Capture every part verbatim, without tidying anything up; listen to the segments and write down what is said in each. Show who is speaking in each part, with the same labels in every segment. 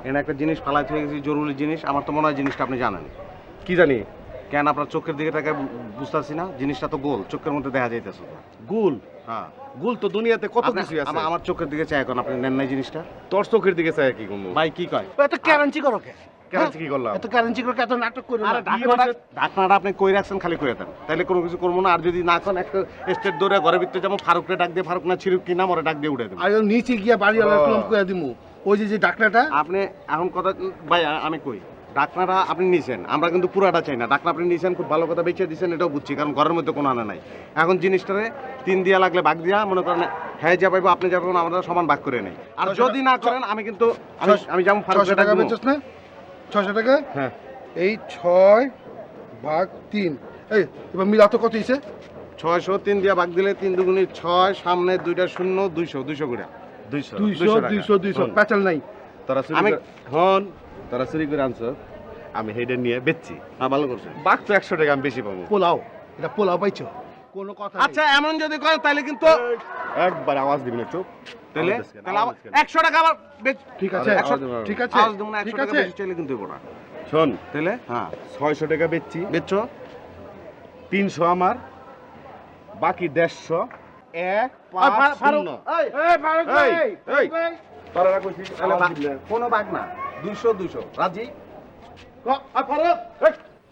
Speaker 1: এখানে একটা জিনিস ফালাই হয়ে গেছে, জরুরি জিনিস। আমার তো মনে হয় জিনিসটা আপনি জানেন।
Speaker 2: কি জানি?
Speaker 1: কেন আপনার চোখের দিকে তাকে বুঝতেছি না? জিনিসটা তো গোল, চোখের মধ্যে দেখা যাইতেছে তো।
Speaker 2: গুল?
Speaker 1: হ্যাঁ,
Speaker 2: গুল তো দুনিয়াতে কত
Speaker 1: আপনি-
Speaker 2: কিছু আছে।
Speaker 1: আমা- আমার চোখের দিকে চাই, এখন আপনি নেন নাই জিনিসটা।
Speaker 2: তোর চোখের দিকে চাই কি করবো?
Speaker 1: ভাই কি কয়?
Speaker 3: এত ক্যারেন্সি করো কে?
Speaker 2: কেন কি করলাম?
Speaker 3: এত ক্যারেন্সি করো, এত নাটক করো
Speaker 1: আরে
Speaker 3: না।
Speaker 1: ঢাকনাটা ঢাকনাটা আপনি কই রাখছেন, খালি কই দেন, তাইলে কোনো কিছু করবো না। আর যদি না করেন, একটা স্টেট দৌড়ে ঘরের ভিতরে যেমন ফারুকরে ডাক দিয়ে, ফারুক না ছিরুক কি নাম, ওরা ডাক দিয়ে উঠে দেবেন।
Speaker 3: আর ওই নিচে গিয়া বাড়িওয়ালার
Speaker 2: ও।
Speaker 3: কলম করে দিমু। ওই যে যে ডাকনাটা
Speaker 1: আপনি এখন কথা, ভাই আ- আমি কই, ডাকনাটা আপনি নিছেন, আমরা কিন্তু পুরাটা চাই না। ডাকনা আপনি নিছেন, খুব ভালো কথা বেঁচে দিয়েছেন, এটাও বুঝছি, কারণ ঘরের মধ্যে কোনো আনা নাই। এখন জিনিসটারে তিন দিয়া লাগলে ভাগ দিয়া, মনে করেন হ্যাঁ যা পাইবো আপনি যা পাবেন, আমরা সমান ভাগ করে নেই। আর
Speaker 3: ছয়শো
Speaker 1: যদি না করেন, আমি কিন্তু আমি আমি যেমন
Speaker 3: ছয়শো
Speaker 1: ফারুকরে ডাক
Speaker 3: টাকা
Speaker 1: দিবো।
Speaker 3: বেচছ না? ছয়শো টাকা?
Speaker 2: হ্যাঁ।
Speaker 3: এই ছয় ভাগ তিন। এই এবার মিলা তো কত হইছে?
Speaker 1: ছয়শো তিন দিয়া ভাগ দিলে তিন দুগুণি ছয়, সামনে দুইটা শূন্য, দুইশো দুইশো করে।
Speaker 2: দুইশো
Speaker 3: দুইশো দুইশো দুইশো
Speaker 2: হন।
Speaker 3: প্যাচাল নাই।
Speaker 2: তোরা চুরি
Speaker 1: আমি-
Speaker 2: করে হন তোরা চুরি করে আনছো, আমি হেডে নিয়ে বেচছি।
Speaker 1: হ্যাঁ, ভালো করছেন।
Speaker 2: বাঘ তো একশো টাকা আমি বেশি পাবো।
Speaker 3: পোলাও, এটা পোলাও পাইছো? কোনো কথা
Speaker 1: আচ্ছা, এমন যদি করেন তাহলে কিন্তু
Speaker 2: একবার আওয়াজ দিবি না, চুপ।
Speaker 1: তাহলে
Speaker 2: আওয়াজ দিস কেন?
Speaker 1: তাহলে
Speaker 2: আওয়াজ
Speaker 1: আবার
Speaker 2: কেন?
Speaker 1: একশো টাকা আবার বেচ-
Speaker 3: ঠিক আছে,
Speaker 2: আরে,
Speaker 3: একশো-
Speaker 2: আওয়াজ দেবো।
Speaker 3: ঠিক আছে,
Speaker 1: আওয়াজ দেবো না, একশো
Speaker 3: ঠিক
Speaker 1: টাকা
Speaker 3: আছে।
Speaker 1: বেশি চাইলে কিন্তু দেবো না।
Speaker 2: শোন,
Speaker 1: তাহলে হ্যাঁ,
Speaker 2: ছয়শো টাকা বেচছি,
Speaker 1: বেচছো।
Speaker 2: তিনশো আমার, বাকি দেড়শো। এক
Speaker 3: এই,
Speaker 2: পাঁচ
Speaker 3: ফা- ফারুক,
Speaker 2: শূন্য।
Speaker 3: এই, এই, ফারুক ভাই,
Speaker 2: এই, এই।
Speaker 3: ভাই।
Speaker 2: তোরা না কইছিস
Speaker 1: তাহলে
Speaker 2: আওয়াজ
Speaker 1: বা-
Speaker 2: দিবি না?
Speaker 1: কোনো বাঘ না, দুইশো দুইশো রাজি।
Speaker 3: ক- এই, ফারুক, এই।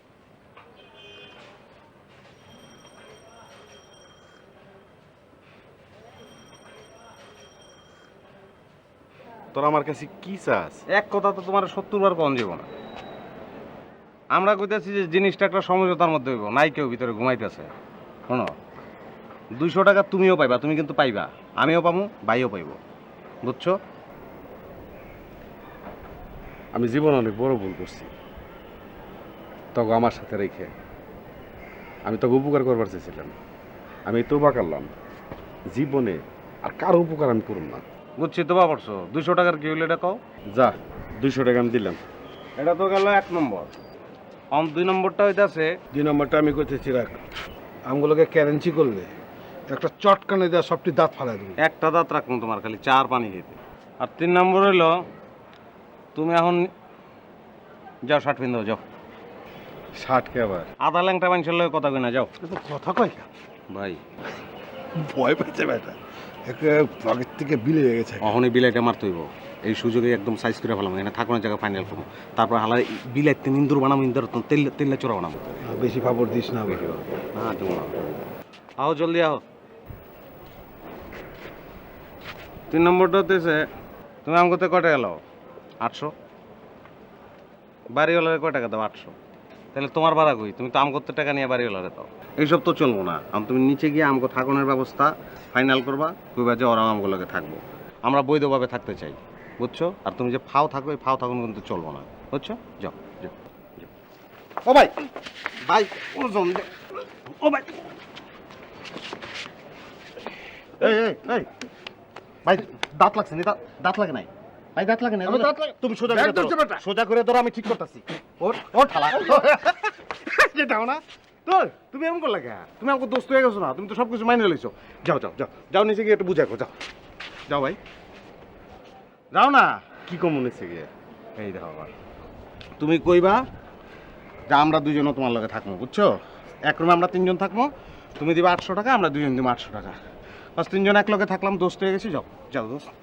Speaker 2: তোরা আমার কাছে কি চাস?
Speaker 1: এক কথা তো তোমার সত্তর বার কম যাব না। আমরা কইতেছি যে জিনিসটা একটা সমঝোতার মধ্যে হইব, নাই কেউ ভিতরে ঘুমাইতেছে। শোনো, দুইশো টাকা তুমিও পাইবা, তুমি কিন্তু পাইবা, আমিও পাবো, ভাইও পাইব, বুঝছো?
Speaker 2: আমি জীবন অনেক বড় ভুল করছি, তখন আমার সাথে রেখে। আমি তোকে উপকার করবার চেয়েছিলাম, আমি তোবা করলাম। জীবনে আর কারো উপকার আমি করব না।
Speaker 1: বুঝছি তো বা পড়ছো, দুইশো টাকার কি হইলো এটা কও।
Speaker 2: যা, দুইশো টাকা আমি দিলাম।
Speaker 1: এটা তো গেল এক নম্বর। অন দুই নম্বরটা হইতাছে,
Speaker 3: দুই নম্বরটা আমি করতেছি রাখ। আমগুলোকে ক্যারেন্সি করলে একটা চটকানে দেওয়া সবটি দাঁত ফালাই দেবো।
Speaker 1: একটা দাঁত রাখুন তোমার, খালি চার পানি খেতে। আর তিন নম্বর হইলো, তুমি এখন যাও শার্ট পিন দাও, যাও।
Speaker 2: ষাট কে আবার?
Speaker 1: আধা ল্যাংটা মানুষের লগে কথা কই না, যাও।
Speaker 3: এটা তো কথা কয় না।
Speaker 1: ভাই
Speaker 3: ভয় পেয়েছে বেটা, একে আগের থেকে বিলে হয়ে গেছে।
Speaker 1: অহনি বিলাইটা মারতে হইব, এই সুযোগে একদম সাইজ করে ফেলাম, এখানে থাকুন জায়গা ফাইনাল করবো। তারপর হালাই বিলাইতে নিন্দুর বানাবো, ইন্দুর তেল তেলে চোরা বানাবো।
Speaker 3: বেশি ফাপড় দিস না বেশি।
Speaker 1: হ্যাঁ তুমি আও, জলদি আও। তিন নম্বরটা হতেছে, তুমি আম করতে কয় টাকা লাও? আটশো। বাড়িওয়ালারে কয় টাকা দাও? আটশো। তাহলে তোমার ভাড়া কই? তুমি তো আম করতে টাকা নিয়ে বাড়িওয়ালারে দাও। এইসব তো চলবো না। আম তুমি নিচে গিয়ে আমগো থাকুনের ব্যবস্থা ফাইনাল করবা, কইবা যে ওরা আমগুলোকে থাকবো, আমরা বৈধভাবে থাকতে চাই, বুঝছো? আর তুমি যে ফাও থাকো, এই ফাও থাকুন কিন্তু চলবো না, বুঝছো? যাও যাও যাও। ও ভাই, ভাই ওজন দে। ও ভাই, এই এই এই ভাই, দাঁত লাগছে না? দাঁত দাঁত লাগে নাই ভাই, দাঁত লাগে না?
Speaker 3: আমার দাঁত লাগে-
Speaker 1: তুমি সোজা
Speaker 3: ব্যাগ
Speaker 1: করে ধরো,
Speaker 3: ধরছে বেটা।
Speaker 1: সোজা করে ধরো, আমি ঠিক করতেছি। ওর ওর ঠালা যেটাও না তো, তুমি এমন করলে কে? তুমি আমাকে দোস্ত হয়ে গেছো না, তুমি তো সব কিছু মাইনে লইছো। যাও যাও যাও যাও, নিচে গিয়ে একটু বুঝা যাও। যাও ভাই, যাও না।
Speaker 2: কি কম মনে হচ্ছে গিয়ে?
Speaker 1: এই দেখো আবার, তুমি কইবা যে আমরা দুজনও তোমার লগে থাকবো, বুঝছো? এক রুমে আমরা তিনজন থাকবো, তুমি দিবা আটশো টাকা, আমরা দুজন দিব আটশো টাকা, বাস তিনজন এক লগে থাকলাম, দোস্ত হয়ে গেছি। যাও যাও দোস্ত।